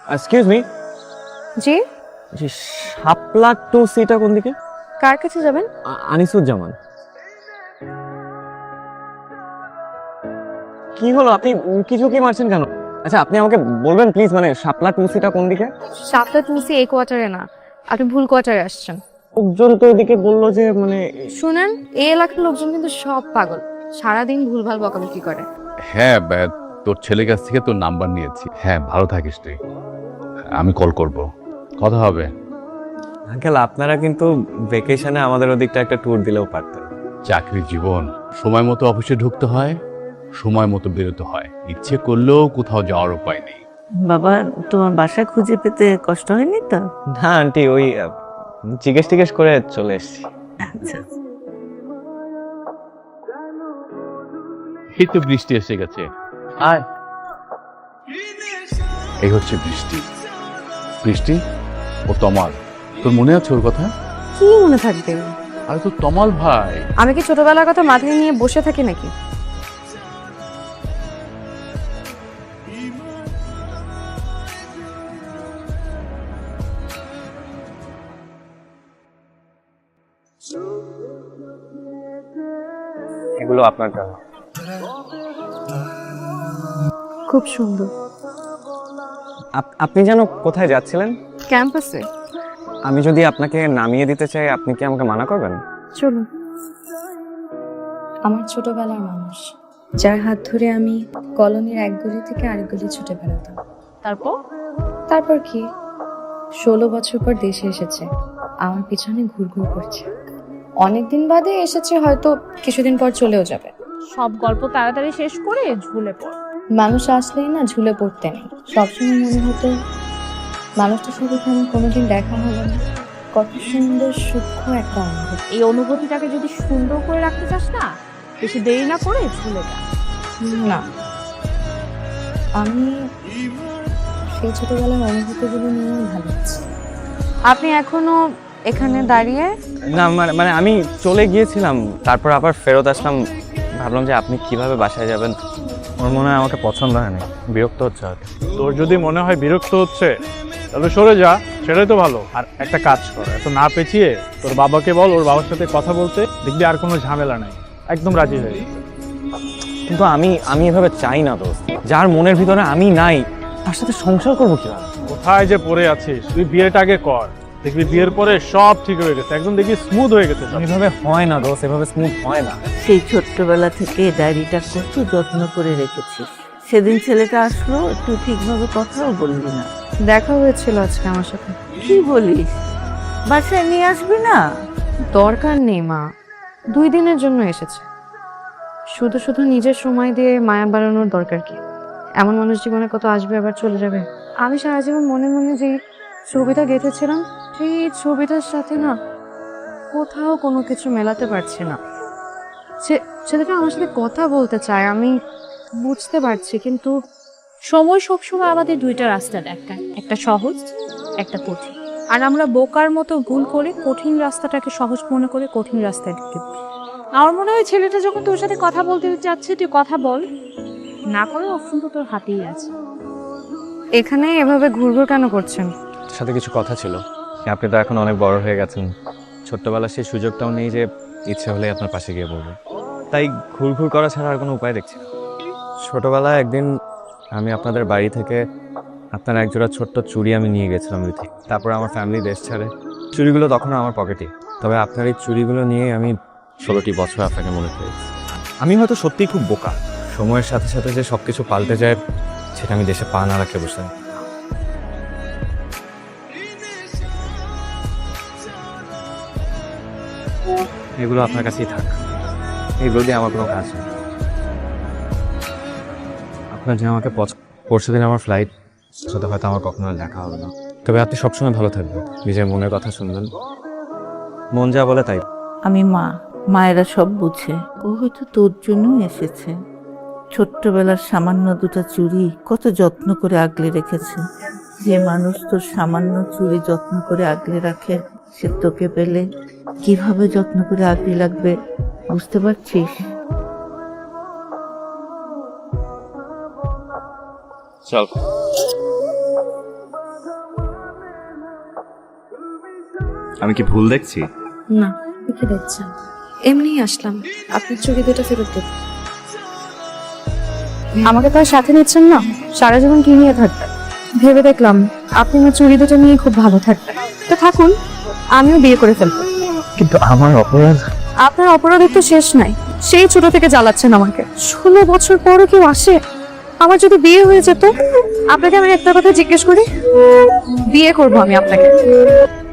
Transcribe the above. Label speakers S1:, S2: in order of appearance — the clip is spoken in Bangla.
S1: এক্সকিউজ মি,
S2: জি,
S1: যে শাপলা টু সিটা কোন দিকে?
S2: কার কাছে যাবেন?
S1: আনিসুজ্জামান। কি হলো, আপনি কিছু কি মারছেন কেন? আচ্ছা, আপনি আমাকে বলবেন প্লিজ, মানে শাপলা টু সিটা কোন দিকে?
S2: সাতটা তুলসী এই কোয়ার্টারে না, আপনি ভুল কোয়ার্টারে আসছেন।
S1: লোকজন তো ওদিকে বললো যে মানে।
S2: শুনেন, এই এলাকার লোকজন কিন্তু সব পাগল, সারাদিন ভুলভাল বকাবকি করে।
S3: হ্যাঁ তোর ছেলের কাছ থেকে তোর নাম্বার নিয়েছি। হ্যাঁ, ভালো থাকিস তুই, আমি কল করব, কথা হবে।
S1: আঙ্কেল, আপনারা কিন্তু ভেকেশনে আমাদের ওদিকটা একটা ট্যুর দিলেও পারতেন।
S3: চাকরির জীবন, সময় মতো অফিসে ঢুকতে হয়, সময় মতো বেরোতে হয়, ইচ্ছে করলেও কোথাও যাওয়ার উপায় নেই।
S4: বাবা, তোমার বাসা খুঁজে পেতে কষ্ট হয়নি তো?
S1: না আন্টি, ওই জিজ্ঞেস টিজ্ঞেস করে চলে এসেছি।
S4: আচ্ছা,
S3: এই তো বৃষ্টি এসে গেছে।
S1: আর
S3: এই হচ্ছে বৃষ্টি। বৃষ্টি, ও তমাল, তোর মনে আছে ওর কথা?
S2: কি মনে থাকবে?
S3: আরে তো তমাল ভাই।
S2: আমি কি ছোটবেলার কথা মাথায় নিয়ে বসে থাকি নাকি?
S1: এগুলো আপনার জন্য।
S2: খুব সুন্দর।
S1: আপনি যেন কোথায় যাচ্ছিলেন?
S2: ক্যাম্পাসে।
S1: আমি যদি আপনাকে নামিয়ে দিতে চাই, আপনি কি আমাকে মানা করবেন?
S2: চলুন। আমার ছোটবেলার মানুষ, যার হাত ধরে আমি কলোনির এক গলি থেকে আরেক গলি ছুটে বেড়াতাম। তারপর কি, 16 বছর পর দেশে এসেছে, আমার পিছনে ঘুরঘুর করছে। অনেকদিন বাদে এসেছে, হয়তো কিছুদিন পর চলেও যাবে।
S5: সব গল্প তাড়াতাড়ি শেষ করে ঝুলে পড়।
S2: মানুষ আসলেই না ঝুলে পড়তে নেই। সবসময় মনে হতো মানুষটার সাথে কেন কোনোদিন দেখা হলো না। কত সুন্দর সূক্ষ্ম একটা অনুভূতি।
S5: এই অনুভূতিটাকে যদি সুন্দর করে রাখতে চাস না, বেশি দেরি না করে ঝুলে যা।
S2: না, আমি সেই ছোটবেলার অনুভূতিগুলো নিয়েই ভালো আছি। আপনি এখনো এখানে দাঁড়িয়ে?
S1: না মানে আমি চলে গিয়েছিলাম, তারপর আবার ফেরত আসলাম। ভাবলাম যে আপনি কিভাবে বাসায় যাবেন, ওর মনে হয় আমাকে পছন্দ হয়নি, বিরক্ত হচ্ছে হয়তো।
S6: তোর যদি মনে হয় বিরক্ত হচ্ছে, তাহলে সরে যা, সেটাই তো ভালো। আর একটা কাজ কর, এত না পেঁচিয়ে তোর বাবাকে বল ওর বাবার সাথে কথা বলতে, দেখবি আর কোনো ঝামেলা নাই, একদম রাজি হয়ে যাবে।
S1: কিন্তু আমি এভাবে চাই না দোস্ত। যার মনের ভিতরে আমি নাই, তার সাথে সংসার করবো কিভাবে?
S6: কোথায় যে পড়ে আছিস, তুই বিয়েটা আগে কর, দেখবি বিয়ের পরে সব ঠিক হয়ে গেছে, একদম দেখবি স্মুথ হয়ে গেছে সব।
S1: এভাবে হয় না দোস্ত, এভাবে স্মুথ হয় না।
S4: সেই ছোট্টবেলা থেকে ডায়েরিটা কত যত্ন করে রেখেছিস। সেদিন ছেলেটা আসলো, একটু ঠিকভাবে কথাও বললি না।
S2: দেখা হয়েছিল আজকে আমার সাথে।
S4: কি বলিস? বাসায় নিয়ে আসবি না?
S2: দরকার নেই মা, 2 দিনের জন্য এসেছে। শুধু শুধু নিজের সময় দিয়ে মায়া বাড়ানোর দরকার কি? এমন মানুষ জীবনে কত আসবে আবার চলে যাবে। আমি সারা জীবন মনে মনে যে ছবিটা গেঁথেছিলাম, সেই ছবিটার সাথে না কোথাও কোনো কিছু মেলাতে পারছি না। ছেলেটা আমার সাথে কথা বলতে চায়, আমি বুঝতে পারছি, কিন্তু
S5: সময় সবসময় আমাদের দুইটা রাস্তা দেখায়, একটা সহজ, একটা কঠিন। আর আমরা বোকার মতো ভুল করে কঠিন রাস্তাটাকে সহজ মনে করে কঠিন রাস্তায় ঢুকে পড়ি। আমার মনে হয় ছেলেটা যখন তোর সাথে কথা বলতে চাচ্ছে, তুই কথা বল, না করে অপশন তো তোর হাতেই আছে।
S2: এখানে এভাবে ঘুরঘুর কেন করছেন?
S1: তার সাথে কিছু কথা ছিল। আপনি তো এখন অনেক বড় হয়ে গেছেন, ছোট্টবেলার সেই সুযোগটাও নেই যে ইচ্ছে হলে আপনার পাশে গিয়ে বলবো। তাই ঘুরঘুর করা ছাড়া আর কোনো উপায় দেখছি না। ছোটবেলায় একদিন আমি আপনাদের বাড়ি থেকে আপনার একজোড়া ছোট্ট চুড়ি আমি নিয়ে গেছিলাম ওই থেকে। তারপর আমার ফ্যামিলি দেশ ছাড়ে, চুড়িগুলো তখন আমার পকেটে। তবে আপনার এই চুড়িগুলো নিয়ে আমি 16টি বছর আপনাকে মনে করেছি। আমি হয়তো সত্যিই খুব বোকা, সময়ের সাথে সাথে যে সব কিছু পাল্টে যায় সেটা আমি দেশে পা না রাখলে বসে। এগুলো আপনার কাছেই থাক, এগুলো দিয়ে আমার কোনো কাজ নেই। আপনার যে আমাকে পরশু দিন আমার ফ্লাইট, সাথে হয়তো আমার কখনো আর দেখা হবে না। তবে আপনি সবসময় ভালো থাকবেন, নিজের মনের কথা শুনবেন, মন যা বলে তাই।
S4: আমি মা, মায়েরা সব বুঝে। ও হয়তো তোর জন্যই এসেছে। ছোট্টবেলার সামান্য দুটো চুড়ি কত যত্ন করে আগলে রেখেছে। যে মানুষ তোর সামান্য চুড়ি যত্ন করে আগলে রাখে, সে তোকে পেলে কিভাবে যত্ন করে আগলে রাখবে বুঝতে পারছিস?
S1: চল। আমি কি ভুল দেখছি?
S2: না, কি দেখছেন? এমনিই আসলাম, আপনি চুড়ি দুটো ফেরত দেবেন। আমাকে তো আর সাথে নিচ্ছেন না, সারা জীবন কি নিয়ে থাকবেন? ভেবে দেখলাম আপনি আমার চুড়ি দুটো নিয়ে খুব ভালো থাকবেন। তো থাকুন, আমিও বিয়ে করে ফেলবো।
S1: কিন্তু আমার অপরাধ।
S2: আপনার অপরাধের তো শেষ নাই, সেই ছোট থেকে জ্বালাচ্ছেন আমাকে। 16 বছর পরও কেউ আসে? আমার যদি বিয়ে হয়ে যেত, আপনাকে আমি একটা কথা জিজ্ঞেস করি, বিয়ে করবো আমি আপনাকে।